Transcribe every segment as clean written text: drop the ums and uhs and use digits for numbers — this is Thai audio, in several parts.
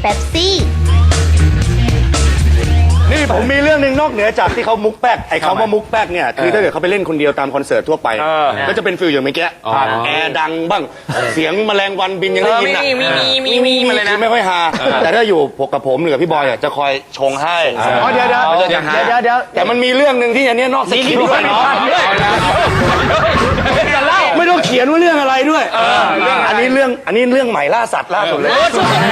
เป๊ปซี่นี่ผมมีเรื่องหนึ่งนอกเหนือจากที่เขามุกแป๊กไอ้คำว่ามุกแป๊กเนี่ยคือถ้าเกิดเขาไปเล่นคนเดียวตามคอนเสิร์ตทั่วไปก็จะเป็นฟิลอย่างเมื่อกี้แอร์ดังบ้างเสียงแมลงวันบินยังได้ยินอ่ะมีมาเลยนะไม่ค่อยฮาแต่ถ้าอยู่กับผมหรือกับพี่บอยจะคอยชงให้เดี๋ยวแต่มันมีเรื่องหนึ่งที่อันนี้นอกสคริปต์ด้วยเนาะไม่ต้องเขียนว่าเรื่องอะไรด้วยอันนี้เรื่องใหม่ล่าสัตว์ล่าสุดเลย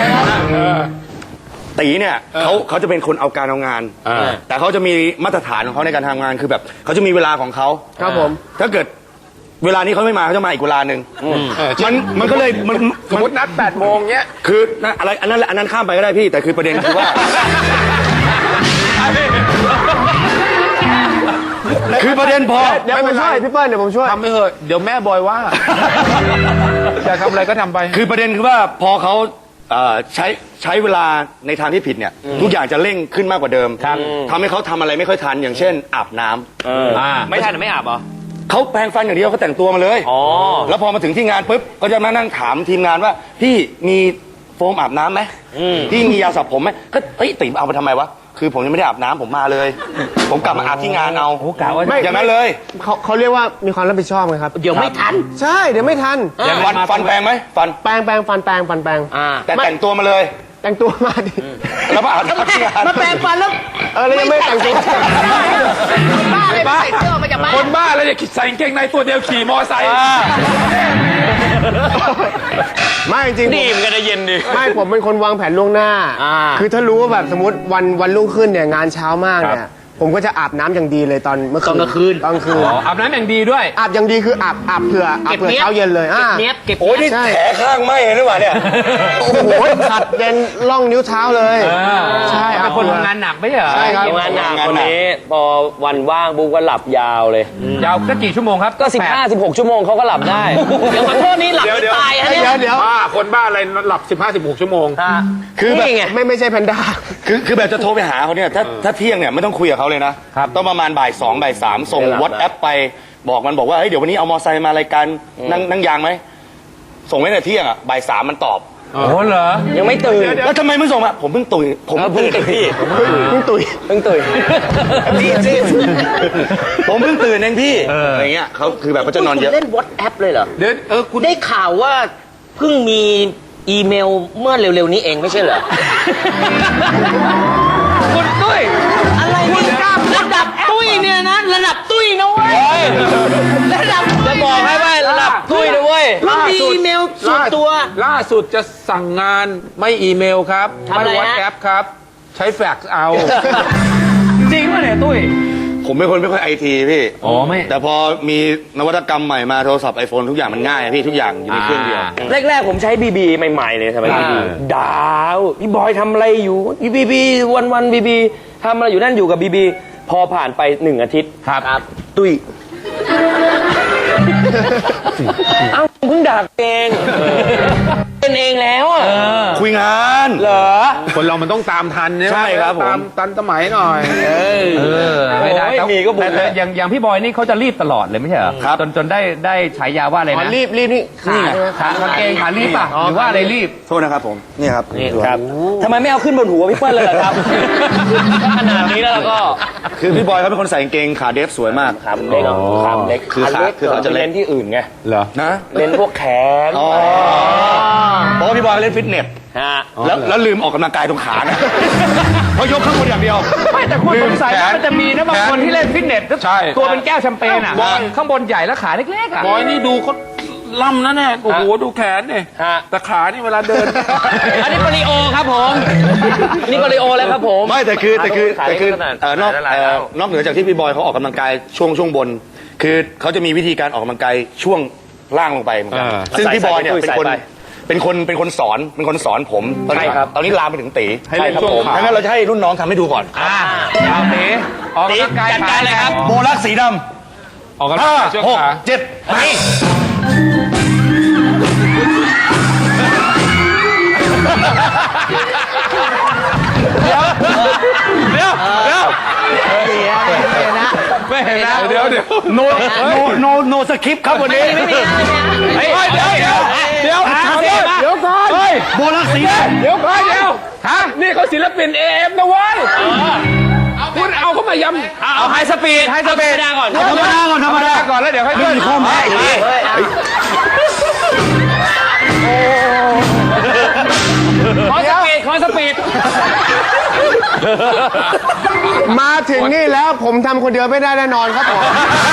ตีเนี่ยเขาจะเป็นคนเอาการเอางานแต่เขาจะมีมาตรฐานของเขาในการทำงานคือแบบเขาจะมีเวลาของเขาครับผมถ้าเกิดเวลานี้เขาไม่มาเขาจะมาอีกเวลาหนึ่งมันก็เลยสมมตินัด8 โมงเงี้ยคืออะไรอันนั้นข้ามไปก็ได้พี่แต่คือประเด็นคือว่าคือประเด็นพอเดี๋ยวผมช่วยพี่เปิ้ลเดี๋ยวผมช่วยทำไม่เหอะเดี๋ยวแม่บอยว่าอยากทำอะไรก็ทำไปคือประเด็นคือว่าพอเขาใช้เวลาในทางที่ผิดเนี่ยทุกอย่างจะเร่งขึ้นมากกว่าเดิมทำให้เขาทำอะไรไม่ค่อยทันอย่างเช่นอาบน้ำไม่ทันหรือไม่อาบเหรอเขาแปรงฟันอย่างเดียวเขาแต่งตัวมาเลยแล้วพอมาถึงที่งานปุ๊บก็จะมานั่งถามทีมงานว่าพี่มีโฟมอาบน้ำไหมพี่มียาสระผมไหมก็ติ๋มเอาไปทำไมวะคือผมยังไม่ได้อาบน้ำผมมาเลยผมกลับมาอาบที่งานเอาไม่อย่างนั้นเลยเขาเรียกว่ามีความรับผิดชอบไงครับเดี๋ยวไม่ทันใช่เดี๋ยวไม่ทันฟันแปรงไหมฟันแปรงแต่แต่งตัวมาเลยแต่งตัวมาดิแล้วมาอาบที่งานมาแปรงฟันแล้วยังไม่แต่งตัวบ้าเลยใส่เสื้อมาจากบ้านคนบ้าแล้วอย่าใส่กางเกงในตัวเดียวขี่มอไซค์ไม่จริงดีมันก็ได้เย็นดิไม่ผมเป็นคนวางแผนล่วงหน้าคือถ้ารู้ว่าแบบสมมติวันรุ่งขึ้นเนี่ยงานเช้ามากเนี่ยผมก็จะอาบน้ำอย่างดีเลยตอนเมื่อคืนกลางคืนอาบน้ำอย่างดีด้วยอาบอย่างดีคืออาบเผื่อเช้าเย็นเลยเก็บโอ้ยนี่แผลข้างไหมเห็นหรือเปล่าเนี่ยโอ้โหขัดเย็นล่องนิ้วเท้าเลยใช่เป็นคนทำงานหนักไม่ใช่เหรอใช่ครับทำงานหนักคนนี้พอวันว่างบุ๊กก็หลับยาวเลยยาวก็กี่ชั่วโมงครับก็15-16 ชั่วโมงเขาก็หลับได้เดี๋ยวขอโทษนี่หลับไม่ตายฮะเนี่ยเดี๋ยวคนบ้าอะไรหลับ15-16 ชั่วโมงคือแบบไม่ใช่แพนด้าคือแบบจะโทรไปหาเขาเนี่ยถ้าเที่ยงเนี่ยไม่ต้องคุยกับเขาเลยนะต้องประมาณบ่าย 2 บ่าย 3ส่งวอทแอปไปบอกว่าเฮ้ยเดี๋ยววันนี้เอามอไซค์มารายการนั่งยางไหมส่งไว้ในเที่ยงอ่ะบ่าย 3มันตอบโอ้เหรอยังไม่ตื่นแล้วทำไมไม่ส่งอ่ะผมเพิ่งตื่นผมเพิ่งตื่นพี่เพิ่งตื่นผมเพิ่งตื่นเองพี่อะไรเงี้ยเขาคือแบบเขาจะนอนเยอะเล่นวอทแอปเลยเหรอเดี๋ยวคุณได้ข่าวว่าเพิ่งมีอีเมลเมื่อเร็วๆนี้เองไม่ใช่เหรอคุณตุ้ยอะไรนี่ระดับตุ้ยเนี่ยนะระดับตุ้ยนะเว้ยระดับจะบอกให้ว่าระดับตุ้ยนะเว้ยมีอีเมลส่วนตัวล่าสุดจะสั่งงานไม่อีเมลครับไม่วอทแอปครับใช้แฟกซ์เอาจริงป่ะเนี่ยตุ้ยผมเป็นคนไม่ค่อยไอทีพี่ไม่แต่พอมีนวัตกรรมใหม่มาโทรศัพท์ไอโฟนทุกอย่างมันง่ายพี่ทุกอย่างอยู่ในเครื่องเดียวแรกๆผมใช้บีบีใหม่ๆเลยทำไมบีบีดาวพี่บอยทำอะไรอยู่บีบีวันบีบีทำอะไรอยู่นั่นอยู่กับบีบีพอผ่านไป1 อาทิตย์ครับตุ้ยเอ้าเพิ่งด่าเองเป็นเองแล้วอ่ะคุยงานเหรอคนเรามันต้องตามทันใช่ครับผมตามสมัยหน่อยไม่ได้มีก็บุญแต่อย่างพี่บอยนี่เขาจะรีบตลอดเลยไม่ใช่เหรอครับจนได้ฉายาว่าอะไรนะรีบนี่ขากางเกงขารีบป่ะหรือว่าอะไรรีบโทษนะครับผมนี่ครับทำไมไม่เอาขึ้นบนหัวพี่เปิ้ลเลยล่ะครับขนาดนี้แล้วก็คือพี่บอยเขาเป็นคนใส่กางเกงขาเดฟสวยมากครับเล็กครับเล็กคือเขาจะเล่นที่อื่นไงเหรอนะเล่นพวกแขนเพราะพี่บอยเล่นฟิตเนสแล้วลืมออกกำลังกายตรงขานะเพราะยกข้างบนอย่างเดียวไม่แต่คนสงสัยมันจะมีนะบางคนที่เล่นฟิตเนสตัวเป็นแก้วแชมเปญอ่ะข้างบนใหญ่แล้วขาเล็กๆอ่ะบอยนี่ดูเขาล่ำนะเนี่ยโอ้โหดูแขนเนี่ยแต่ขานี่เวลาเดินอันนี้ปริโอครับผมนี่ปริโอแล้วครับผมไม่แต่คือนอกเหนือจากที่พี่บอยเขาออกกำลังกายช่วงบนคือเขาจะมีวิธีการออกกำลังกายช่วงล่างลงไปเหมือนกันซึ่งพี่บอยเนี่ยเป็นคนสอนผมตอนนี้ลามไปถึงตีให้เล่นช่วงขางั้นเราจะให้รุ่นน้องทำให้ดูก่อนเอาตีออกกำลังกายจัดการเลยครับโบลักสีดำออกกำลังกายช่วงขา 5 6 7ไปเดี๋ยวไม่เห็นนะเดี๋ยวโนสคริปต์ครับวันนี้ไม่มีเดี๋ยวก่อนโบลักสีเดี๋ยวก่อนถนี่เขาศิลปิน AM นะเว้ยคุณเอาเขามายำเอาไฮสปีดไฮสปีดก่อนธรรมดาก่อนธรรมดาก่อนแล้วเดี๋ยวค่อยเรื่องข้อแม้อีกทีคอนสปีดมาถึงนี่แล้วผมทำคนเดียวไม่ได้แน่นอนครับผม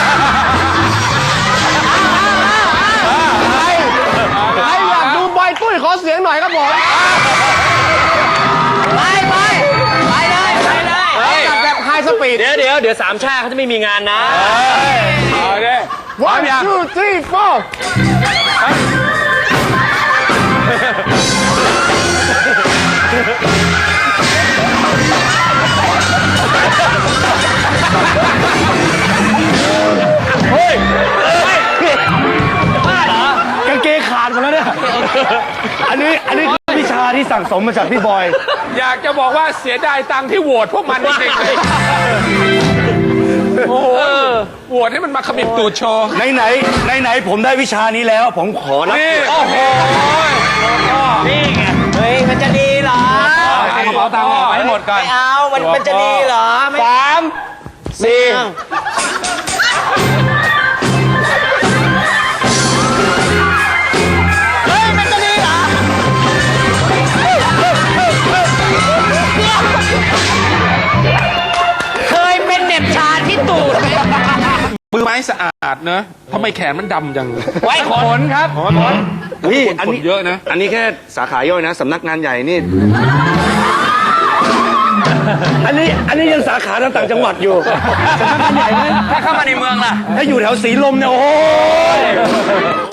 ใครอยากดูบอยตุ้ยขอเสียงหน่อยครับผมไปเลยจัดแบบไฮสปีดเดี๋ยวสามชาติเขาจะไม่มีงานนะโอเค one two three four กางเกงขาดหมดแล้วเนี่ยอันนี้คือวิชาที่สั่งสมมาจากพี่บอยอยากจะบอกว่าเสียดายตังค์ที่โหวตพวกมันจริงๆเลยโอ้โหโหวตให้มันมาขมิบตูดโชว์ไหนผมได้วิชานี้แล้ว ผมขอรับนี่โอ้โหนี่ไงเฮ้ยมันจะดีเหรอเอากระเป๋าตังค์ออกไปให้หมดก่อนไม่เอามันจะดีเหรอไม่ 3 4 เคยเป็นเหน็บชาที่ตูดมือไม้สะอาดเนอะทำไมแขนมันดำจังไว้ขนครับนี่อันคนนี้เยอะนะอันนี้แค่สาขาย่อยนะสำนักงานใหญ่นี่ อันนี้ยังสาขาต่างจังหวัดอยู่สำนักงานใหญ่ไหมถ้าเข้ามาในเมืองล่ะถ้าอยู่แถวสีลมเนี่ยโอ้ย